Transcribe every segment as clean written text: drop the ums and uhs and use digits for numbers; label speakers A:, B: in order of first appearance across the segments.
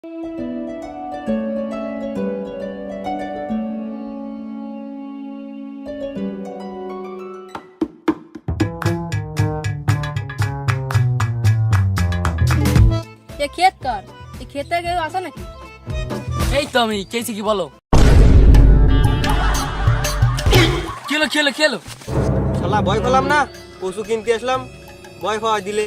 A: ये खेत कर, ये खेत के आसा নাকি?
B: এই তো আমি কেছি কি বলো খেলো খেলো খেলো
C: শালা ভয় পেলাম না, পশু কিনতে আসলাম, ভয় পাওয়া দিলে।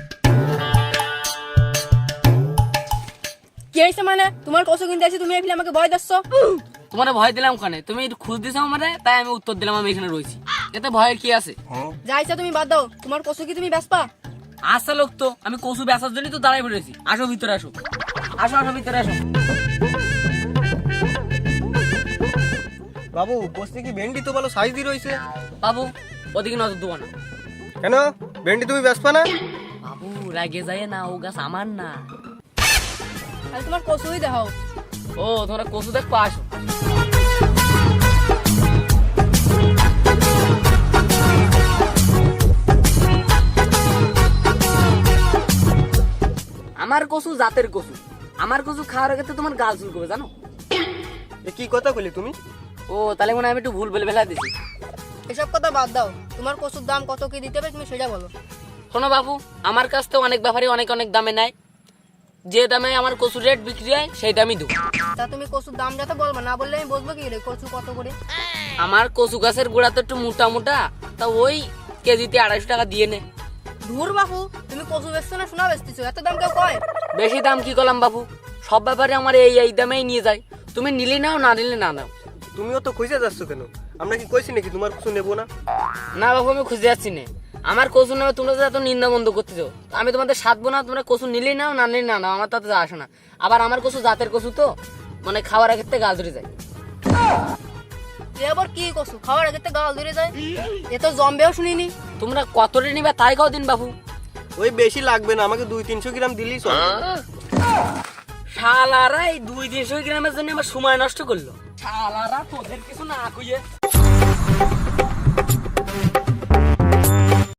A: কি হইছে মানে তোমার কসু কিনতে আসি তুমি এফিলে আমাকে ভয় দিচ্ছ?
B: তোমার ভয় দিলাম কানে, তুমি একটু খুঁজ দিছো আমারে, তাই আমি উত্তর দিলাম আমি এখানে রয়েছি। এতে ভয়ের কি আছে?
A: যাইছা তুমি বাদ দাও, তোমার কসু কি তুমি বেচপা?
B: আসা লোক তো, আমি কচু বেচার জন্যই তো দাঁড়াই পড়েছি। আসো ভিতরে আসো, আসো আসো ভিতরে আসো।
C: বাবু বসতে কি ভেন্ডি তো ভালো সাইজ দিয়ে রয়েছে।
B: বাবু ওদিকে নজর দেবো না।
C: কেন ভেন্ডি তুমি বেচবা না?
B: বাবু রাগে যায় না, ও গাছ আমার না।
A: তাহলে তোমার কসুই দেখাও।
B: ও তোমরা কচু দেখবো, আসো। আমার কচু জাতের কচু, আমার কচু খাওয়ার ক্ষেত্রে তোমার গাল চুল করবে জানো।
C: এ কি কথা বলি তুমি?
B: ও তাহলে মনে হয় আমি একটু ভুল বলে ফেলা দিছি।
A: এসব কথা বাদ দাও, তোমার কসুর দাম কত কি দিতে হবে তুমি সেটা বলো।
B: শোনো বাবু, আমার কাছ থেকে অনেক ব্যাপারী অনেক অনেক দামে নেয়, যে দামে আমার কচুর রেট বিক্রি হয় সেই দামই দেবো।
A: তা তুমি কসুর দাম যত বলবা, না বললে আমি বসবো কি রে কসু কত করে?
B: আমার কচু গাছের গোড়া তো একটু মোটা মোটা, তা ওই কেজিতে 250 টাকা দিয়ে নে।
A: ধুর বাপু, তুমি কসু বেচছো না শোনা বেচতেছো, এত দাম কেউ কয়?
B: বেশি দাম কি করলাম বাবু, সব ব্যাপারে আমার এই এই দামেই নিয়ে যায়। তুমি নিলে নাও, না নিলে না নাও।
C: তুমিও তো খুঁজে যাচ্ছ কেন? আমরা কি কইছি নাকি তোমার কিছু নেবো না?
B: না বাবু আমি খুঁজে যাচ্ছি না, আমার কচু নামে তোমরা তো এত নিন্দা বন্ধ করতেছো। আমি তোমাদের সাধবো না, তোমরা কচু নিলেই নাও, না নিলে না নাও, আমার তাতে আসে না। আবার আমার কচু জাতের কচু তো, মানে খাওয়ার ক্ষেত্রে গাল ধরে যায়।
A: এ আবার কি কসু খাওয়ার আগে গাল ধরে যায়? এ তো জম্বেও শুনিনি।
B: তোমরা কতটা নিবে তাই খাও দিন বাবু।
C: ওই বেশি লাগবে না, আমাকে 200-300 গ্রাম দিলেই চলবে।
B: শালারা এই 200-300 গ্রামের জন্য আমার সময় নষ্ট করলো। শালারা তোদের কিছু না কইয়ে